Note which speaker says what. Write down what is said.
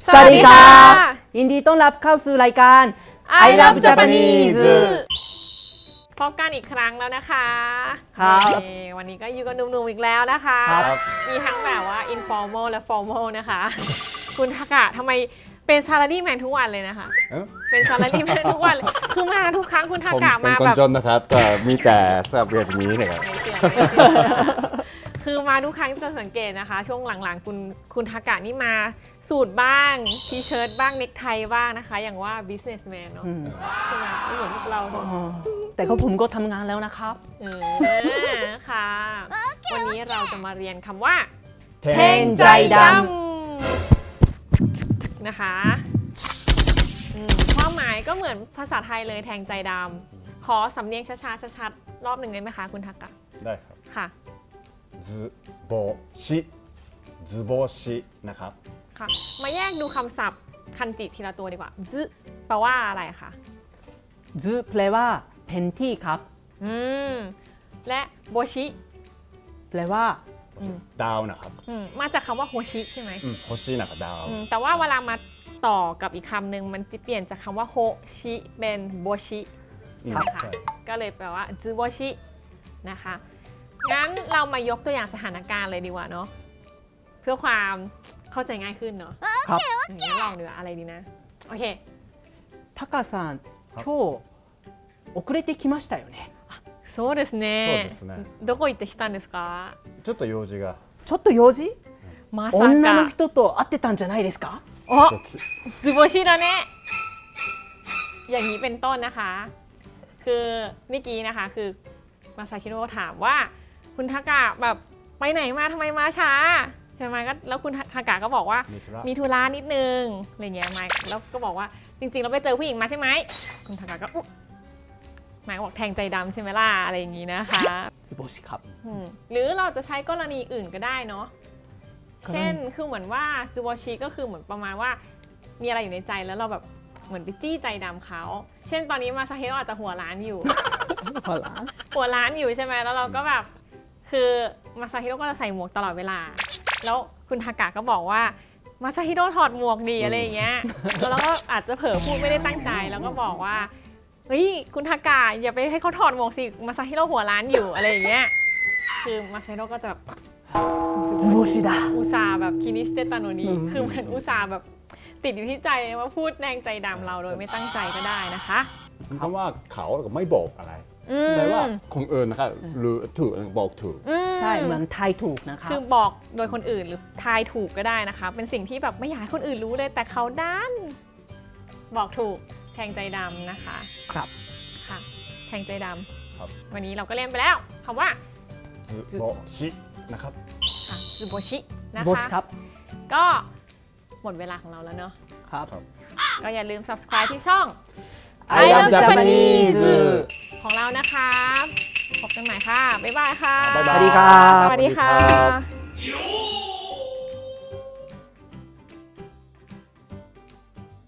Speaker 1: สวัสดีครับยินดีต้อนรับเข้าสู่รายการ I Love Japanese
Speaker 2: พบกันอีกครั้งแล้วนะคะ
Speaker 1: ครับ
Speaker 2: วันนี้ก็อยู่กับหนุ่มๆอีกแล้วนะคะ
Speaker 1: ครับ
Speaker 2: มีทั้งแบบว่า informal และ formal นะคะ คุณทากะทำไมเป็นซาลารีแมนทุกวันเลยนะคะ เป็นซาลารีแมนทุกวันเลยคือมาทุกครั้งคุณทา
Speaker 3: ผม
Speaker 2: กะ
Speaker 3: เป็น
Speaker 2: มา
Speaker 3: คน
Speaker 2: แบบ
Speaker 3: จนนะครับแต่มีแต่สำหรับเรียนแบบนี้นะครับ
Speaker 2: ไม่เชื่อคือมาทุกครั้งจะสังเกตนะคะ ช่วงหลังๆคุณทากะนี่มาสูทบ้างทีเชิ้ตบ้างเนคไทบ้างนะคะ อย่างว่า businessman เนาะใช่ไหมไม่เหมือนพวกเราเนอะ
Speaker 1: แต่ก็ผมก็ทำงานแล้วนะครับ
Speaker 2: ค่ะ วันนี้เราจะมาเรียนคำว่า
Speaker 1: แทงใจด
Speaker 2: นะคะความหมายก็เหมือนภาษาไทยเลยแทงใจดำขอสำเนียงช้าๆชัดๆรอบหนึ่งได้ไหมคะคุณทากะ
Speaker 3: ได้ครับ
Speaker 2: ค่ะ
Speaker 3: ズボシズボชินะครับ
Speaker 2: ค่ะ มาแยกดูคำศัพท์คันจิทีละตัวดีกว่าซึแปลว่าอะไรคะ
Speaker 1: ซึแปลว่าเพนที่ครับ
Speaker 2: และโบชิ
Speaker 1: แปลว่า
Speaker 3: ดาวนะครับ
Speaker 2: มาจากคำว่าโฮชิใช่ไหม
Speaker 3: โฮชินะครับดาว
Speaker 2: แต่ว่าเวลามาต่อกับอีกคำหนึ่งมันจะเปลี่ยนจากคำว่าโฮชิเป็นโบชิใช่ไหมคะ ก็เลยแปลว่าจูโบชินะคะ งั้นเรามายกตัวอย่างสถานการณ์เลยดีกว่าเนาะ เพื่อความเข้าใจง่ายขึ้นเนาะ
Speaker 1: ครับ
Speaker 2: อย่างนี้ลองดูอะไรดีนะ โอเค
Speaker 1: タカさん今日遅れてきましたよね
Speaker 2: そうですね。
Speaker 3: そうですね。
Speaker 2: どこ行ってきたんですか？
Speaker 3: ちょっと用事が
Speaker 1: ちょっと用事
Speaker 2: まさ
Speaker 1: 女の
Speaker 2: か。
Speaker 1: 人と会ってたんじゃないですか
Speaker 2: お、ズボชิแล้วねอย่างนี้เป็นต้นนะคะ คือเมื่อกี้นะคะคือมาซาคิโร่ถามว่าคุณทากะแบบไปไหนมาทำไมมาช้าใช่ไหมก็แล้วคุณทากะก็บอกว่า
Speaker 3: มีธุระ
Speaker 2: มีธุระนิดนึงอะไรเงี้ยไมค์แล้วก็บอกว่าจริงๆเราไปเจอผู้หญิงมาใช่ไหมคุณทากะก็อุ๊ยไมค์ก็บอกแทงใจดำใช่ไหมล่ะอะไรอย่างงี้นะคะ
Speaker 1: ズボシครับ
Speaker 2: หรือเราจะใช้กรณีอื่นก็ได้เนาะเช่นคือเหมือนว่าจูโบชิก็คือเหมือนประมาณว่ามีอะไรอยู่ในใจแล้วเราแบบเหมือนไปจี้ใจดำเขาเช่นตอนนี้มาซาเฮโร่อาจจะหัวร้านอยู่
Speaker 1: หัวร้าน
Speaker 2: หัวร้านอยู่ใช่ไหมแล้วเราก็แบบคือมาซาฮิโร่ก็จะใส่หมวกตลอดเวลา แล้วคุณทากะก็บอกว่ามาซาฮิโร่ถอดหมวกดีอะไรอย่างเงี้ยแล้วเราก็อาจจะเผลอพูดไม่ได้ตั้งใจแล้วก็บอกว่าเฮ้ยคุณทากะอย่าไปให้เขาถอดหมวกสิมาซาฮิโร่หัวร้านอยู่อะไรอย่างเงี้ยคือมาซาฮิโร่ก็จะแบบ
Speaker 1: ズボシだ
Speaker 2: อุตส่าห์แบบคินิสเตตาโนนี้คือเหมือนอุตส่าห์แบบติดอยู่ที่ใจมาพูดแดงใจดำเราโดยไม่ตั้งใจก็ได้นะคะ
Speaker 3: สมมติว่าเขาก็ไม่บอกอะไรแปลว่าคนอื่นนะครับหรือถูกบอกถูก
Speaker 1: ใช่เหมือนไทยถูกนะครับ
Speaker 2: คือบอกโดยคนอื่นหรือทายถูกก็ได้นะคะ เป็นสิ่งที่แบบไม่อยากให้คนอื่นรู้เลยแต่เขาดันบอกถูกแทงใจดำนะคะ
Speaker 1: ครับ
Speaker 2: ค่ะแทงใจด
Speaker 3: ครับ
Speaker 2: ำวันนี้เราก็เรียนไปแล้วคำว่า
Speaker 3: ズボชินะครับ
Speaker 2: ค่ะจูโบชินะ
Speaker 1: ズボシ
Speaker 2: คะ
Speaker 1: ครับ
Speaker 2: ก็หมดเวลาของเราแล้วเนาะ
Speaker 1: ครับ
Speaker 2: ก็อย่าลืม subscribe ที่ช่อง
Speaker 1: I Love Japanese
Speaker 2: ของเรานะคะพบกันใหม่ค่ะ บ๊ายบายค่ะ
Speaker 3: บ๊ายบาย
Speaker 1: สวัสดีครับ
Speaker 2: สวัสดีค่ะ